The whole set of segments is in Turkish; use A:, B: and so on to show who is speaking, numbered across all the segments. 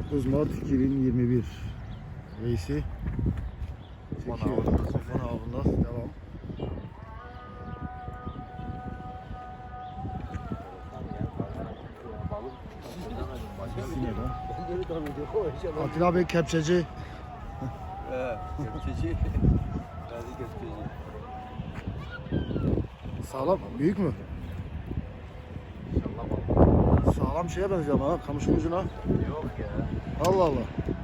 A: 9 Mart 2021 Veysi çekiyor. Kafan avında devam. Atilla Bey kepçeci.
B: Kepçeci.
A: Sağlam, büyük mü? Sağlam şeye benziyor ama ha, kamışın ucuna.
B: Yok ya.
A: Allah Allah.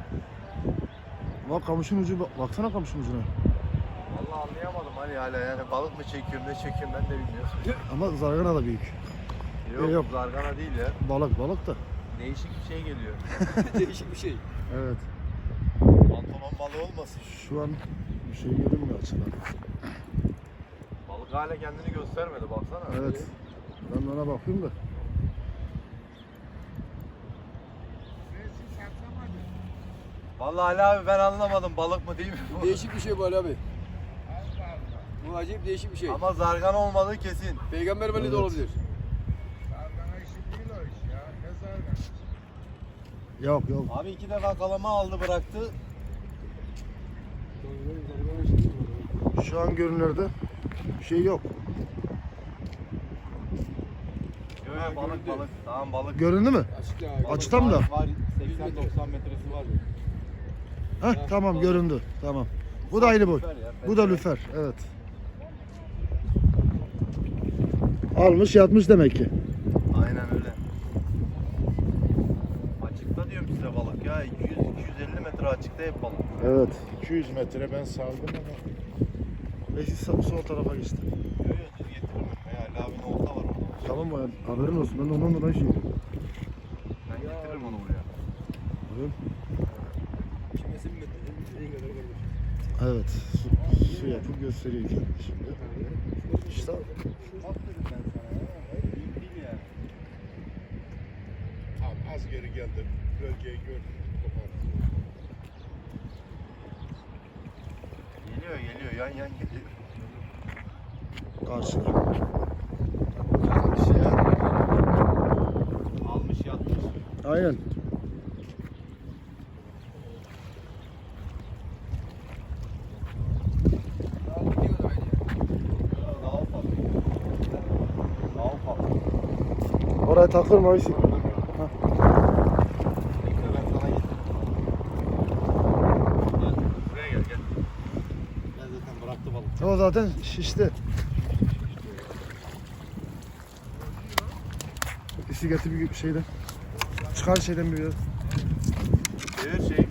A: Bak kamışın ucu, baksana kamışın ucuna.
B: Vallahi anlayamadım Ali hala yani balık mı çekiyorum ne çekiyorum ben de bilmiyorum.
A: Ama zargana da büyük.
B: Yok,
A: Yok.
B: zargana değil ya.
A: Balık da.
B: Değişik bir şey geliyor. Değişik bir şey.
A: Evet.
B: Pantolon balığı olmasın.
A: Şu an bir şey görünmüyor açıdan.
B: Balık hala kendini göstermedi baksana.
A: Evet. Ben de ona bakıyorum da.
B: Vallahi Ali abi ben anlamadım balık mı değil mi bu?
C: Değişik bir şey bu Ali abi. Bu acayip değişik bir şey.
B: Ama zargana olmadığı kesin.
C: Peygamber balığı da
A: Evet.
C: olabilir.
D: Zargana işi değil o iş ya. Ne zarganası?
A: Yok.
B: Abi 2 defa kalama aldı bıraktı.
A: Şu an görünürde bir şey yok.
B: Yok balık. Tamam balık.
A: Göründü mü?
C: Açıkta abi.
A: Açıkta mı da?
B: Var 80-90 metresi var.
A: Heh, tamam göründü. Tamam. Bu da aynı boy. Bu da lüfer. Evet. Almış yatmış demek ki.
B: Aynen öyle. Açıkta diyorum size balık ya. 200-250 metre açıkta hep balık.
A: Evet.
D: 200 metre ben saldım ama.
A: Neyse sol tarafa geçti.
B: Yok düz getiririm. Ali abinin olta var orada.
A: Tamam mı? Haberin olsun. Ben de ondan dolayı şey yapıyorum.
B: Ben getiririm onu buraya.
C: Kimesi bir metre. En kadar kalır.
A: Evet. Su yapıp gösteriyor kendini şimdi. İşte
B: Bak dedim ben sana ya. Büyük değil yani.
D: Tam az geri geldim. Bölgeyi gördüm.
B: Geliyor yan geliyor.
A: karşıda.
B: Yatmış ya. Almış yatmış.
A: Aynen.
C: Daha bir kadar aynı ya.
B: Daha ufak. Daha ufak.
A: Oraya takılma Veysi.
B: Bekle ben sana getiririm. Gel buraya gel. Ben zaten bıraktı balık.
A: O zaten şişti. Bisikleti bir şeyden. Çıkar şeyden bir biraz.
B: Çevir şeyi.